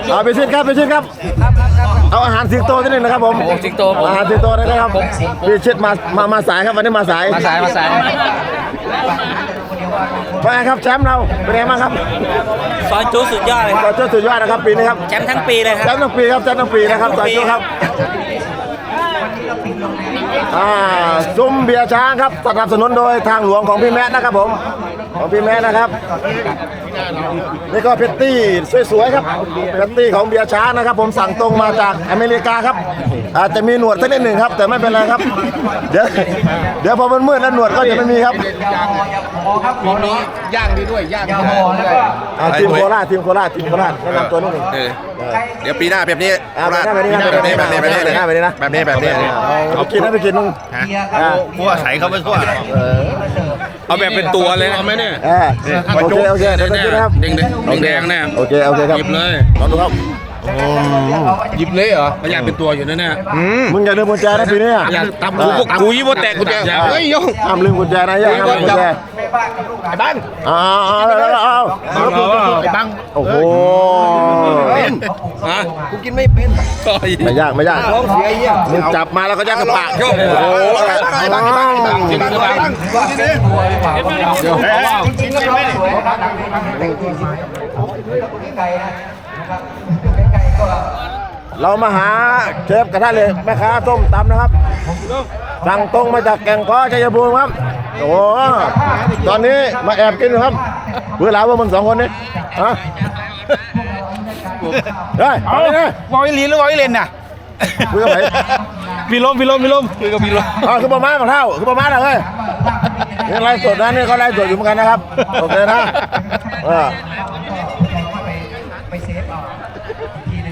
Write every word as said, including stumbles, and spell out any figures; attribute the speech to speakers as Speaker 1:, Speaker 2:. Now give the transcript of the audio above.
Speaker 1: เอาไปชิดครับไปชิดครับเอาอาหารสิงโตที่หนึ่งนะครับผม
Speaker 2: โอ้สิงโตผม
Speaker 1: อาหารสิงโตนะครับพี่ชิดมามามาสายครับวันนี้มาสาย
Speaker 2: มาสายมาสาย
Speaker 1: ไปครับแชมป์เราเป็นไงบ้างครับ
Speaker 2: ซอยจูสุดยอดเลยครับ
Speaker 1: เราเจ้าสุดยอดนะครับปีนี้ครับ
Speaker 2: แชมป์ทั้งปีเลยค
Speaker 1: แช
Speaker 2: รับ
Speaker 1: มป์ทั้งปีครับแชมป์ทั้งปีนะครับสายจุครับอ่าซุ้มเบียร์ช้างครับสนับสนุนโดยทางหลวงของพี่แมทนะครับผมของพี่แมทนะครับนี่ก็เพตตี้สวยๆครับเพตตี้ของเบียร์ช้างนะครับผมสั่งตรงมาจากอเมริกาครับอาจจะมีหนวดสักนิดหนึ่งครับแต่ไม่เป็นไรครับเดี๋ยวเดี๋ยวพอมันมืดแล้วหนวดก็จะไม่มีครับ
Speaker 3: มีมีย่างดีด้วยย่างดีด้วย
Speaker 1: อ่าทีมโคราชทีมโคราชทีมโคราชแนะนำตัวนิดหนึ่ง
Speaker 4: เออเดี๋ยวปีหน้าแบบนี้
Speaker 1: อ่าแบบนี้แบบนี้
Speaker 4: แบบนี้แบบนี้แบบนี้เลย
Speaker 1: แบบนี้นะ
Speaker 4: แบบนี้แบบนี้
Speaker 1: เอากินนะไปกินมึง
Speaker 4: พวกใส่เข้าไปทั่วเอาแบบเป็นตัวเลยเอาไหมเนี่ย
Speaker 1: เออโอเคโอเคเดี๋ยวจะกินนะครับ
Speaker 4: แดงแดงแน่
Speaker 1: โอเคโอเคครับ
Speaker 4: หยิบเลย
Speaker 1: ลองดูครับ
Speaker 3: หยิบเลยเหรอ
Speaker 4: มันอยากเป็นตัวอยู่นั่นเนี่ย
Speaker 1: มึงอย่าลืมกุญแจนะปีนี้อ่ะ
Speaker 4: อยากตำกูพวกกูยี่ว่าแตกกูแตกเฮ้ยยง
Speaker 1: ห้ามลืมกุญแจนะอย่าห้ามลืมกุญแจ
Speaker 3: ไอ้บ้าน
Speaker 1: อ้าวอ้าวอ้าว
Speaker 3: ไอ้บัง
Speaker 1: โอ้โห
Speaker 4: ฮะ
Speaker 3: กูกินไม่เป็น
Speaker 1: ไม่ยากไม่ยาก
Speaker 3: ท้องเสียเยี่ย
Speaker 1: มึงจับมาแล้วก็ยัดกระปากโอ้โห
Speaker 3: ไอ้บังไอ้บังไอ้บังไอ้บังไอ้บังเดี๋ยวกินก็ไม่ได้
Speaker 1: เรามาหาเชฟกระทะเหล็กแม่ค้าส้มตำนะครับสั่งตรงมาจากแก่งค้อชัยภูมิครับโอ้โหตอนนี้มาแอบกินอยู่ครับเพื่อหลาว่ามึงสองคนนี้ฮะเฮ้ยเอาเลยว
Speaker 3: อลลีหรือวอลเลนน่ะ
Speaker 1: คุยกับใคร
Speaker 3: พี่ลมพี่ลมพี่ลมคุยกับพี่ลม
Speaker 1: อ๋อคือประมาณของเท่าคือประมาณอะไรเฮ้ยนี่ไลฟ์สดนะนี่เขาไลฟ์สดอยู่เหมือนกันนะครับโอเคนะเออ